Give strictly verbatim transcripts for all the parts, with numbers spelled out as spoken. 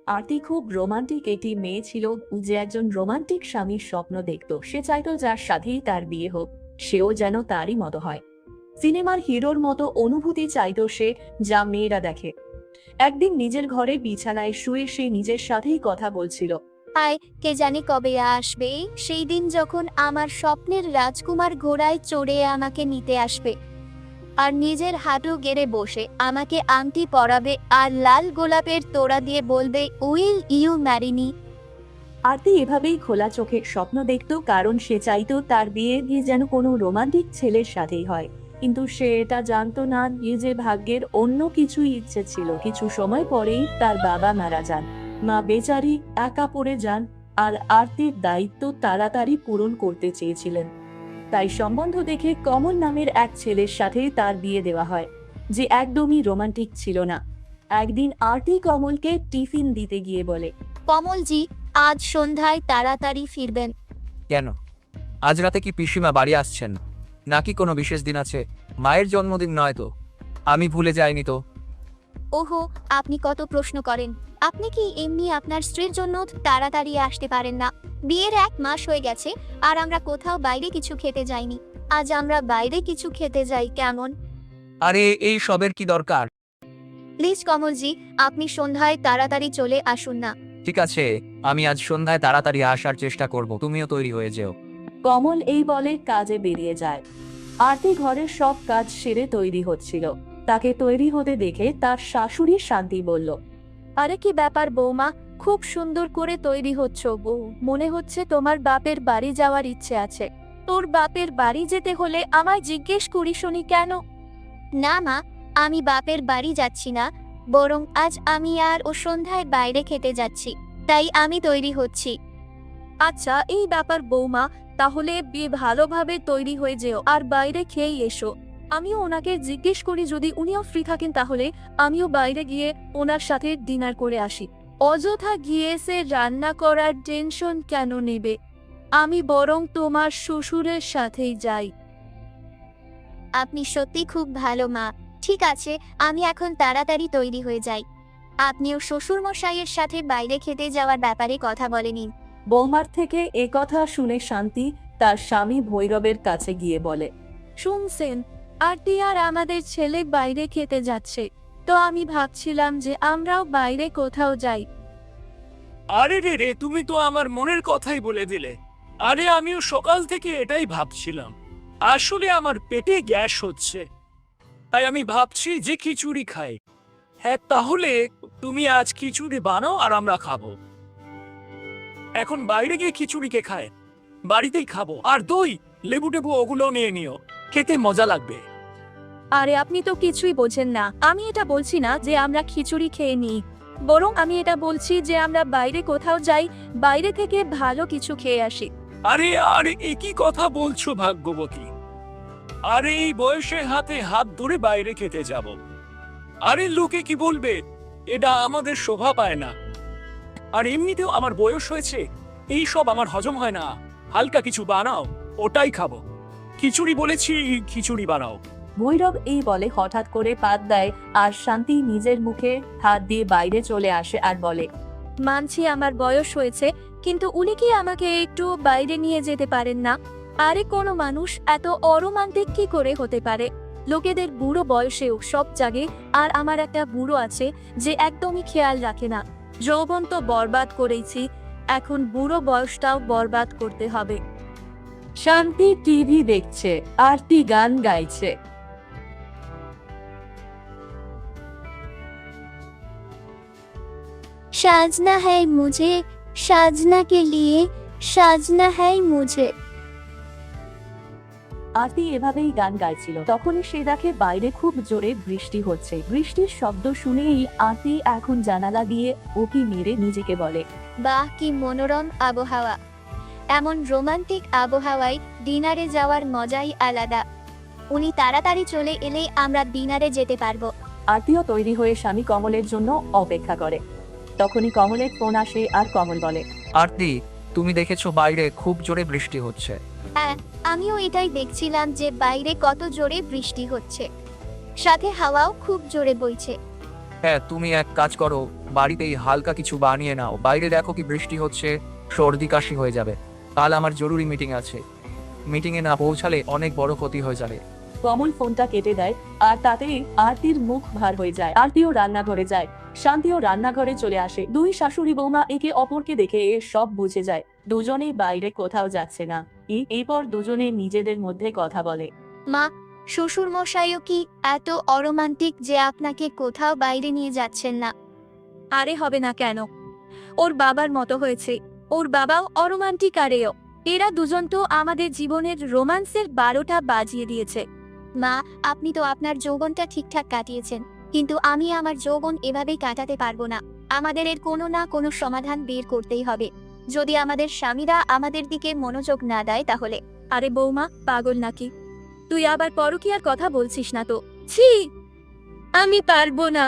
আরতি খুব রোমান্টিক একটি মেয়ে ছিল, যে একজন রোমান্টিক স্বামীর স্বপ্ন দেখত। সে চাইতো যার সাথেই তার বিয়ে হোক, সেও যেন তারই মতো হয়। সিনেমার হিরোর মতো অনুভূতি চাইতো সে, যা মেয়েরা দেখে। একদিন নিজের ঘরে বিছানায় শুয়ে সে নিজের সাথেই কথা বলছিল। আয়, কে জানে কবে আসবে সেই দিন যখন আমার স্বপ্নের রাজকুমার ঘোড়ায় চড়ে আমাকে নিতে আসবে আর নিজের হাঁটু গেড়ে বসে আমাকে আংটি পরাবে আর লাল গোলাপের তোড়া দিয়ে বলবে, উইল ইউ ম্যারি মি। আরতি এভাবেই খোলা চোখে স্বপ্ন দেখত, কারণ সে চাইতো তার বিয়ে দিয়ে যেন কোনো রোমান্টিক ছেলের সাথেই হয়। কিন্তু সে এটা জানতো না যে ভাগ্যের অন্য কিছুই ইচ্ছে ছিল। কিছু সময় পরেই তার বাবা মারা যান। মা বেচারি একা পড়ে যান, আর আরতির দায়িত্ব তাড়াতাড়ি পূরণ করতে চেয়েছিলেন। তাই সম্বন্ধ দেখে কমল নামের এক ছেলের সাথে তার বিয়ে দেওয়া হয়, যে একদমই রোমান্টিক ছিল না। একদিন আরতি কমলকে টিফিন দিতে গিয়ে বলে, কমলজি, আজ সন্ধ্যায় তাড়াতাড়ি ফিরবেন। কেন? আজ রাতে কি পিসিমা বাড়ি আসছেন, নাকি কোনো বিশেষ দিন আছে? মায়ের জন্মদিন নয় তো? আমি ভুলে যাইনি তো? ওহো, আপনি কত প্রশ্ন করেন। আপনি কি এমনি আপনার স্ত্রীর জন্য তাড়াতাড়ি আসতে পারেন না? বিয়ের এক মাস হয়ে গেছে আর আমরা কোথাও বাইরে কিছু খেতে যাইনি। আজ আমরা বাইরে কিছু খেতে যাই কেমন? আরে এই সবের কি দরকার? প্লিজ কমলজি, আপনি সন্ধ্যায় তাড়াতাড়ি চলে আসুন না। ঠিক আছে, আমি আজ সন্ধ্যায় তাড়াতাড়ি আসার চেষ্টা করব, তুমিও তৈরি হয়ে যেও। কমল এই বলে কাজে বেরিয়ে যায়। আরতি ঘরের সব কাজ সেরে তৈরি হচ্ছিল। তাকে তৈরি হতে দেখে তার শাশুড়ি শান্তি বলল, আরে কি ব্যাপার বৌমা, খুব সুন্দর করে তৈরি হচ্ছ বউ। মনে হচ্ছে তোমার বাপের বাড়ি যাওয়ার ইচ্ছে আছে। তোর বাপের বাড়ি যেতে হলে আমায় জিজ্ঞেস করি শুনি কেন? না মা, আমি বাপের বাড়ি যাচ্ছি না, বরং আজ আমি আর ও সন্ধ্যায় বাইরে খেতে যাচ্ছি, তাই আমি তৈরি হচ্ছি। আচ্ছা, এই ব্যাপার বৌমা, তাহলে বিয়ে ভালোভাবে তৈরি হয়ে যেও আর বাইরে খেয়েই এসো। আমিও ওনাকে জিজ্ঞেস করি, যদি উনিও ফ্রি থাকেন তাহলে আমিও বাইরে গিয়ে ওনার সাথে ডিনার করে আসি। অযথা গিয়ে সে রান্না করার টেনশন কেন নেবে? আমি বরং তোমার শ্বশুরের সাথেই যাই। আপনি সত্যি খুব ভালো মা। ঠিক আছে, আমি এখন তাড়াতাড়ি তৈরি হয়ে যাই। আপনিও শ্বশুর মশাইয়ের সাথে বাইরে খেতে যাওয়ার ব্যাপারে কথা বলে নিন। বৌমার থেকে এ কথা শুনে শান্তি তার স্বামী ভৈরবের কাছে গিয়ে বলে, শুনছেন, আরতি আর আমাদের ছেলে বাইরে খেতে যাচ্ছে, তো আমি ভাবছিলাম যে আমরাও বাইরে কোথাও যাই। আরে রে রে, তুমি তো আমার মনের কথাই বলে দিলে। আরে আমিও সকাল থেকে এটাই ভাবছিলাম। আসলে আমার পেটে গ্যাস হচ্ছে, তাই আমি ভাবছি যে খিচুড়ি খাই। হ্যাঁ, তাহলে তুমি আজ খিচুড়ি বানাও আর আমরা খাবো। এখন বাইরে গিয়ে খিচুড়িকে খায়, বাড়িতেই খাবো। আর দই, লেবু টেবু ওগুলো নিয়ে নিও, খেতে মজা লাগবে। আরে আপনি তো কিছুই বোঝেন না। আমি এটা বলছি না যে আমরা খিচুড়ি খেয়ে নিই, বরং আমি এটা বলছি যে আমরা বাইরে কোথাও যাই, বাইরে থেকে ভালো কিছু খেয়ে আসি। আরে আরে একই কথা বলছো ভাগ্যবতী? আরে এই বয়সে হাতে হাত ধরে বাইরে খেতে যাব, আরে লোকে কি বলবে? এটা আমাদের শোভা পায় না। আর এমনিতেও আমার বয়স হয়েছে, এই সব আমার হজম হয় না। হালকা কিছু বানাও, ওটাই খাবো। খিচুড়ি বলেছি, খিচুড়ি বানাও। ভৈরব এই বলে হঠাৎ করে পাত দেয়, আর শান্তি নিজের মুখে হাত দিয়ে বাইরে চলে আসে আর বলে, মানছি আমার বয়স হয়েছে, কিন্তু উনি কি আমাকে একটু বাইরে নিয়ে যেতে পারেন না? আরে কোনো মানুষ এত অরোমান্টিক কি করে হতে পারে? লোকেদের বুড়ো বয়সেও সব জাগে, আর আমার একটা বুড়ো আছে যে একদমই খেয়াল রাখে না। যৌবন তো বরবাদ করেছি, এখন বুড়ো বয়সটাও বরবাদ করতে হবে। শান্তি টিভি দেখছে, আরতি গান গাইছে। साजना है मुझे, साजना के लिए साजना है मुझे। আরতি এভাবেই গান গাইছিল। তখনই সে দেখে বাইরে খুব জোরে বৃষ্টি হচ্ছে। বৃষ্টির শব্দ শুনেই আরতি এখন জানালা দিয়ে উঁকি মেরে নিজেকে বলে, বাহ, কি মনোরম আবহাওয়া! এমন রোমান্টিক আবহাওয়ায় ডিনারে যাওয়ার মজাই আলাদা। উনি তাড়াতাড়ি চলে এলেই আমরা ডিনারে যেতে পারবো। আরতিও তৈরি হয়ে স্বামী কমলের জন্য অপেক্ষা করে। তখনই কমলের ফোন আসে আর কমল বলে, আরতি, তুমি দেখেছো বাইরে খুব জোরে বৃষ্টি হচ্ছে? হ্যাঁ, আমিও এটাই দেখছিলাম যে বাইরে কত জোরে বৃষ্টি হচ্ছে, সাথে হাওয়াও খুব জোরে বইছে। হ্যাঁ, তুমি এক কাজ করো, বাড়িতেই হালকা কিছু বানিয়ে নাও। বাইরে দেখো কি বৃষ্টি হচ্ছে, সর্দি কাশি হয়ে যাবে। কাল আমার জরুরি মিটিং আছে, মিটিংয়ে না পৌঁছালে অনেক বড় ক্ষতি হয়ে যাবে। কমল ফোনটা কেটে দেয় আর তাতেই আরতির মুখ ভার হয়ে যায়। আরতিও রান্নাঘরে যায়, শান্তিও রান্নাঘরে চলে আসে। দুই শাশুড়ি বৌমা একে অপরকে দেখে এ সব বুঝে যায় দুজনেই বাইরে কোথাও যাচ্ছে না। এ- এরপর দুজনে নিজেদের মধ্যে কথা বলে। মা, শ্বশুর মশাইও কি এত অরোমান্টিক যে আপনাকে কোথাও বাইরে নিয়ে যাচ্ছেন না? আরে হবে না কেন, ওর বাবার মতো হয়েছে। ওর বাবাও অরোমান্টিক, আরেও এরা দুজন তো আমাদের জীবনের রোমান্সের বারোটা বাজিয়ে দিয়েছে। মা, আপনি তো আপনার যৌবনটা ঠিকঠাক কাটিয়েছেন, কিন্তু আমি আমার যৌবন এভাবেই কাটাতে পারবো না। আমাদের এর কোনো না কোনো সমাধান বের করতেই হবে। যদি আমাদের স্বামীরা আমাদের দিকে মনোযোগ না দেয় তাহলে। আরে বৌমা, পাগল নাকি? তুই আবার পরকীয়ার কথা বলছিস না তো? ছি, আমি পারবো না।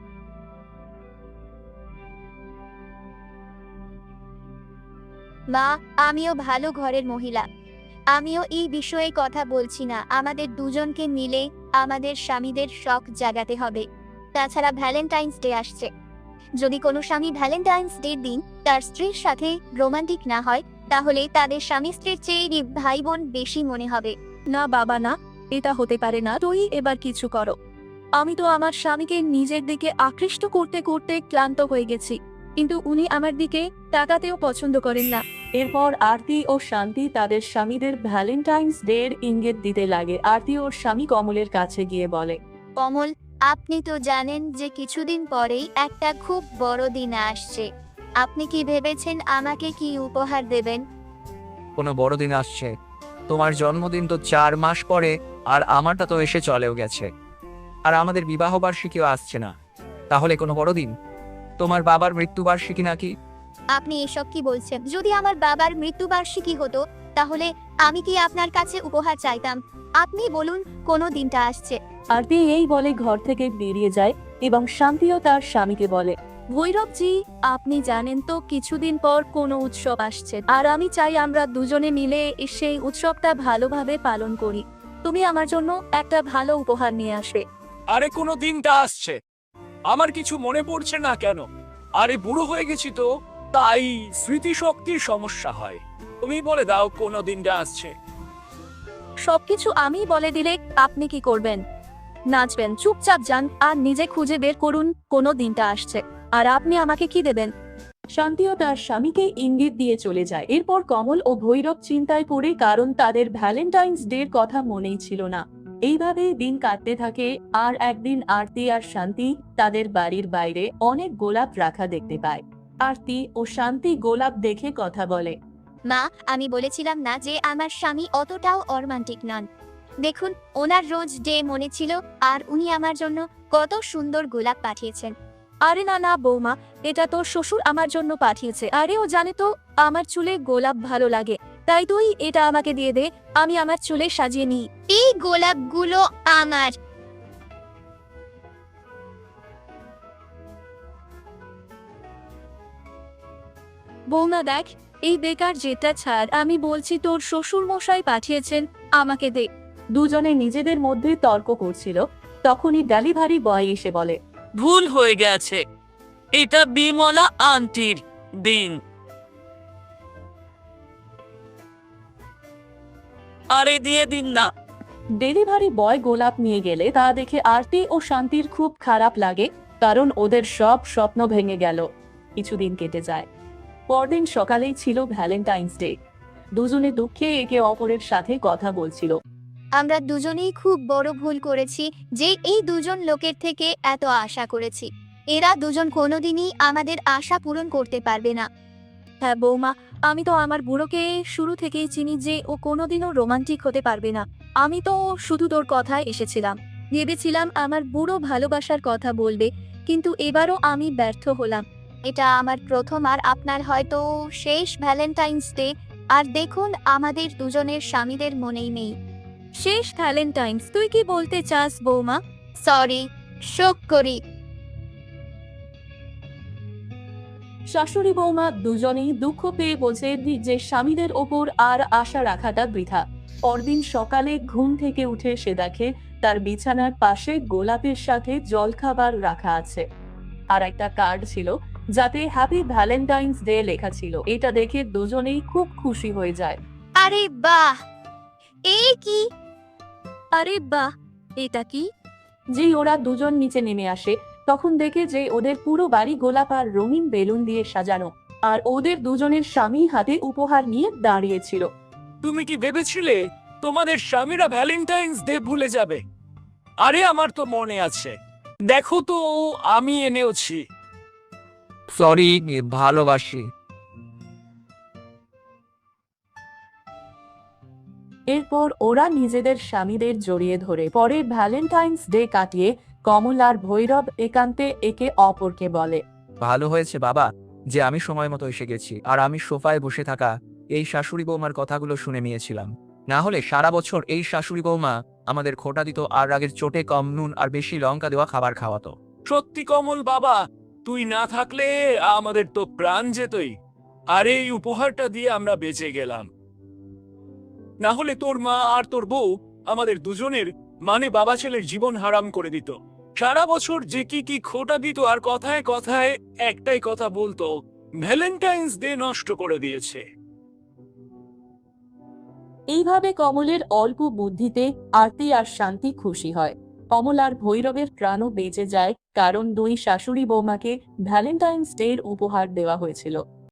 মা, আমিও ভালো ঘরের মহিলা, আমিও এই বিষয়ে কথা বলছি না। আমাদের দুজনকে মিলে আমাদের স্বামীদের শখ জাগাতে হবে। তাছাড়া ভ্যালেন্টাইন্স ডে আসছে, যদি কোনো স্বামী ভ্যালেন্টাইন্স ডে দিন তার স্ত্রীর সাথে রোমান্টিক না হয়, তাহলে তাদের স্বামী স্ত্রীর চেয়ে ভাই বোন বেশি মনে হবে। না বাবা না, এটা হতে পারে না। তুই এবার কিছু করো। আমি তো আমার স্বামীকে নিজের দিকে আকৃষ্ট করতে করতে ক্লান্ত হয়ে গেছি, কিন্তু উনি আমার দিকে তাকাতেও পছন্দ করেন না। এরপর আরতি ও শান্তি তাদের স্বামীদের ভ্যালেন্টাইন্স ডে এর ইঙ্গিত দিতে লাগে। আরতি ওর স্বামী কমলের কাছে গিয়ে বলে, কমল, আপনি তো জানেন যে কিছুদিন পরেই একটা খুব বড় দিন আসছে। আপনি কি ভেবেছেন আমাকে কি উপহার দেবেন? কোনো বড়দিন আসছে? তোমার জন্মদিন তো চার মাস পরে, আর আমারটা তো এসে চলেও গেছে, আর আমাদের বিবাহ বার্ষিকীও আসছে না। তাহলে কোনো বড়দিন? তোমার বাবার মৃত্যুবার্ষিকী নাকি? আপনি এসব কি বলছেন? যদি আমার বাবার মৃত্যুবার্ষিকী হতো তাহলে আমি কি আপনার কাছে উপহার চাইতাম? আপনি বলুন কোন দিনটা আসছে। আরতি এই বলে ঘর থেকে বেরিয়ে যায় এবং শান্তিও তার স্বামীকে বলে, ভৈরবজি, আপনি জানেন তো কিছুদিন পর কোনো উৎসব আসছে, আর আমি চাই আমরা দুজনে মিলে সেই উৎসবটা ভালোভাবে পালন করি। তুমি আমার জন্য একটা ভালো উপহার নিয়ে আসবে। আরে কোনো দিনটা আসছে, আমার কিছু মনে পড়ছে না কেন? আরে বুড়ো হয়ে গেছি তো, তাই স্মৃতিশক্তির সমস্যা হয়। তুমি বলে দাও কোনো দিনটা আসছে। সবকিছু আমি বলে দিলে আপনি কি করবেন? নাচবেন? চুপচাপ যান আর নিজে খুঁজে বের করুন কোন দিনটা আসছে, আর আপনি আমাকে কি দেবেন। শান্তিও তার স্বামীকে ইঙ্গিত দিয়ে চলে যায়। এরপর কমল ও ভৈরব চিন্তায় পড়ে, কারণ তাদের ভ্যালেন্টাইন্স ডে এর কথা মনেই ছিল না। এইভাবে দিন কাটতে থাকে। আর একদিন আরতি আর শান্তি তাদের বাড়ির বাইরে অনেক গোলাপ রাখা দেখতে পায়। আরতি ও শান্তি গোলাপ দেখে কথা বলে, মা, আমি বলেছিলাম না যে আমার স্বামী অতটাও অরোমান্টিক নন? দেখুন, ওনার রোজ ডে মনে ছিল, আর উনি আমার জন্য কত সুন্দর গোলাপ পাঠিয়েছেন। আরে না না বৌমা, এটা তো শ্বশুর আমার জন্য পাঠিয়েছে। আরে ও জানে তো আমার চুলে গোলাপ ভালো লাগে, তাই তুই এটা আমাকে দিয়ে দে, আমি আমার চুলে সাজিয়ে নিই। এই গোলাপগুলো আমার। বৌমা দেখ, এই বেকার যেটা ছাড়, আমি বলছি তোর শ্বশুর মশাই পাঠিয়েছেন, আমাকে দে। দুজনে নিজেদের মধ্যে তর্ক করছিল। তখনই ডেলিভারি বয় এসে বলে, ভুল হয়ে গেছে, এটা বিমলা আন্টির দিন। আরে দিয়ে দিন না। ডেলিভারি বয় গোলাপ নিয়ে গেলে তা দেখে আরতি ও শান্তির খুব খারাপ লাগে, কারণ ওদের সব স্বপ্ন ভেঙে গেল। কিছুদিন কেটে যায়। পরদিন সকালেই ছিল ভ্যালেন্টাইন্স ডে। দুজনে দুঃখে একে অপরের সাথে কথা বলছিল। আমরা দুজনেই খুব বড় ভুল করেছি যে এই দুজন লোকের থেকে এত আশা করেছি। এরা দুজন কোনোদিনই আমাদের আশা পূরণ করতে পারবে না। হ্যাঁ বৌমা, আমি তো আমার বুড়োকে শুরু থেকেই চিনি যে ও কোনোদিনও রোমান্টিক হতে পারবে না। আমি তো শুধু তোর কথায় এসেছিলাম, ভেবেছিলাম আমার বুড়ো ভালোবাসার কথা বলবে, কিন্তু এবারও আমি ব্যর্থ হলাম। এটা আমার প্রথম আর আপনার হয়তো শেষ ভ্যালেন্টাইন্স ডে। আর দেখুন, আমাদের দুজনের স্বামীদের মনেই নেই শেষ ভ্যালেন্টাইন্স। তুই কি বলতে চাস বৌমা? সরি, শোক করি। শাশুড়ি বৌমা দুজনেই দুঃখ পেয়ে বলছে যে স্বামীদের ওপর আর আশা রাখাটা বৃথা। পরদিন সকালে ঘুম থেকে উঠে সে দেখে তার বিছানার পাশে গোলাপের সাথে জলখাবার রাখা আছে। আর একটা কার্ড ছিল যাতে হ্যাপি ভ্যালেন্টাইন্স ডে লেখা ছিল। এটা দেখে দুজনেই খুব খুশি হয়ে যায়। আরে বাহ, এই কি? আরে বাহ, এটা কি? যেই ওরা দুজন নিচে নেমে আসে তখন দেখে যে ওদের পুরো বাড়ি গোলাপ আর রঙিন বেলুন দিয়ে সাজানো, আর ওদের দুজনের স্বামী হাতে উপহার নিয়ে দাঁড়িয়েছিল। তুমি কি ভেবেছিলে তোমাদের স্বামীরা ভ্যালেন্টাইন্স ডে ভুলে যাবে? আরে আমার তো মনে আছে, দেখো তো আমি এনেওছি। সরি, ভালোবাসি। এরপর ওরা নিজেদের স্বামীদের জড়িয়ে ধরে পরে ভ্যালেন্টাইন্স ডে কাটিয়ে কমল আর ভৈরব একান্তে একে অপরকে বলে, ভালো হয়েছে বাবা যে আমি সময় মতো এসে গেছি, আর আমি সোফায় বসে থাকা এই শাশুড়ি বৌমার কথাগুলো শুনে নিয়েছিলাম। না হলে সারা বছর এই শাশুড়ি বৌমা আমাদের খোটা দিত আর রাগের চোটে কম নুন আর বেশি লঙ্কা দেওয়া খাবার খাওয়াতো। সত্যি কমল বাবা, তুই না থাকলে আমাদের তো প্রাণ যেতই, আর এই উপহারটা দিয়ে আমরা বেঁচে গেলাম। না হলে তোর মা আর তোর বউ আমাদের দুজনের মানে বাবা ছেলের জীবন হারাম করে দিত। সারা বছর যে কি কি খোটা দিত আর কথায় কথায় একটাই কথা বলতো, ভ্যালেন্টাইন্স ডে নষ্ট করে দিয়েছে। এইভাবে কমলের অল্প বুদ্ধিতে আরতি আর শান্তি খুশি হয়। কমল আর ভৈরবের প্রাণও বেঁচে যায়, কারণ দুই শাশুড়ি বৌমাকে ভ্যালেন্টাইন্স ডে উপহার দেওয়া হয়েছিল।